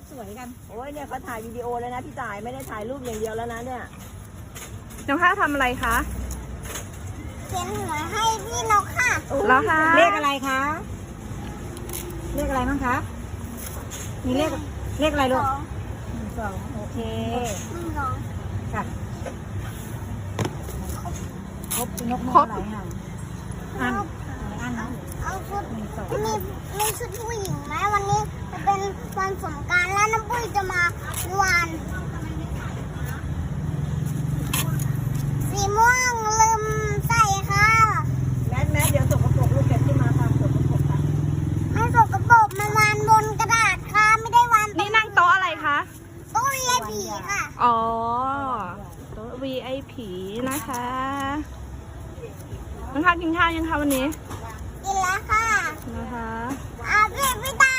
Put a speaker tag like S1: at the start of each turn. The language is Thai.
S1: สวยกัน
S2: โอ้ยเนี่ยเขาถ่ายวิดีโอเลยนะพี่จ่ายไม่ได้ถ่ายรูปอย่างเดียวแล้วนะเนี่ย
S3: น้องข้าวทำอะไรคะ
S4: เขียนหัวให้พี่นกค่ะ
S3: แล้วคะ
S1: เลขอะไรคะเลขอะไรบ้างคะมีเลขอะไรลูก1 2โอเค
S4: 1 2
S1: ค่ะครบนกมีอะไรห่างอันนะ
S4: เอาชุด
S1: 1 2
S4: มีชุดผู้หญิงไหมวันนี้จะเป็นวันสงกรานต์แล้วน้ำปุ้ยจะมาวันสีม่วงลืมใส่ค่ะ
S2: แมสเดี๋ยวสกปรกลูกเก็บที่มาค่ะสกปรกค่ะ
S4: ไม่สกปรกมันวานบนกระดาษค่ะ ไม่ได้วาน
S3: นี่นั่งโต๊ะอะไรคะ
S4: ตู้เรียบีค่ะ
S3: อ๋อ โต๊ะ VIP นะคะน้องข้าวกินข้าวยังคะวันนี้
S4: กินแล้วค่ะ
S3: นะคะ
S4: พี่ตา